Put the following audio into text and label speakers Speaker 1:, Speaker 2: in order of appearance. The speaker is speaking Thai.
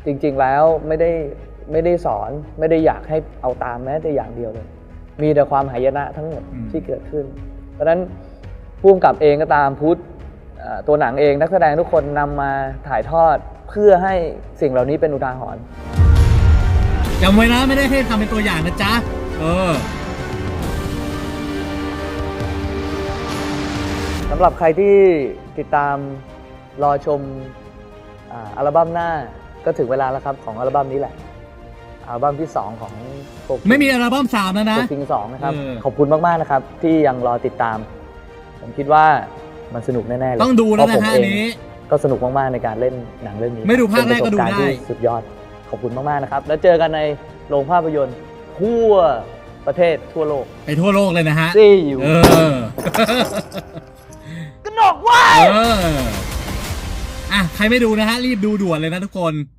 Speaker 1: จริงๆแล้วไม่ได้สอนไม่ได้อยากให้เอาตามแม้แต่อย่างเดียวเลยมีแต่ความหายนะทั้งหมดที่เกิดขึ้นเพราะฉะนั้นผู้กำกับเองก็ตามพุทธตัวหนังเองนักแสดงทุกคนนำมาถ่ายทอดเพื่อให้สิ่งเหล่านี้เป็นอุทาหรณ์
Speaker 2: จำไว้นะไม่ได้ให้ทำเป็นตัวอย่างนะจ๊ะ
Speaker 1: สำหรับใครที่ติดตามรอชมอัลบั้มหน้าก็ถึงเวลาแล้วครับของอัลบั้มนี้แหละอัลบั้มที่2ของ
Speaker 2: ไม่มีอัลบั้ม3แล้วนะ
Speaker 1: โฟกิง2นะครับขอบคุณมากๆนะครับที่ยังรอติดตามผมคิดว่ามันสนุกแน่ๆเลย
Speaker 2: ต้องดูแล้วนะฮะนี้
Speaker 1: ก็สนุกมากๆในการเล่นหนังเรื่องนี้
Speaker 2: ไม่ดูภาคแรกก็ดูได้
Speaker 1: สุดยอดขอบคุณมากๆนะครับแล้วเจอกันในโรงภาพยนตร์ทั่วประเทศทั่วโลก
Speaker 2: ไปทั่วโลกเลยนะฮะ
Speaker 1: ซี่อยู่กระหนกไว้
Speaker 2: ใครไม่ดูนะฮะรีบดูด่วนเลยนะทุกคน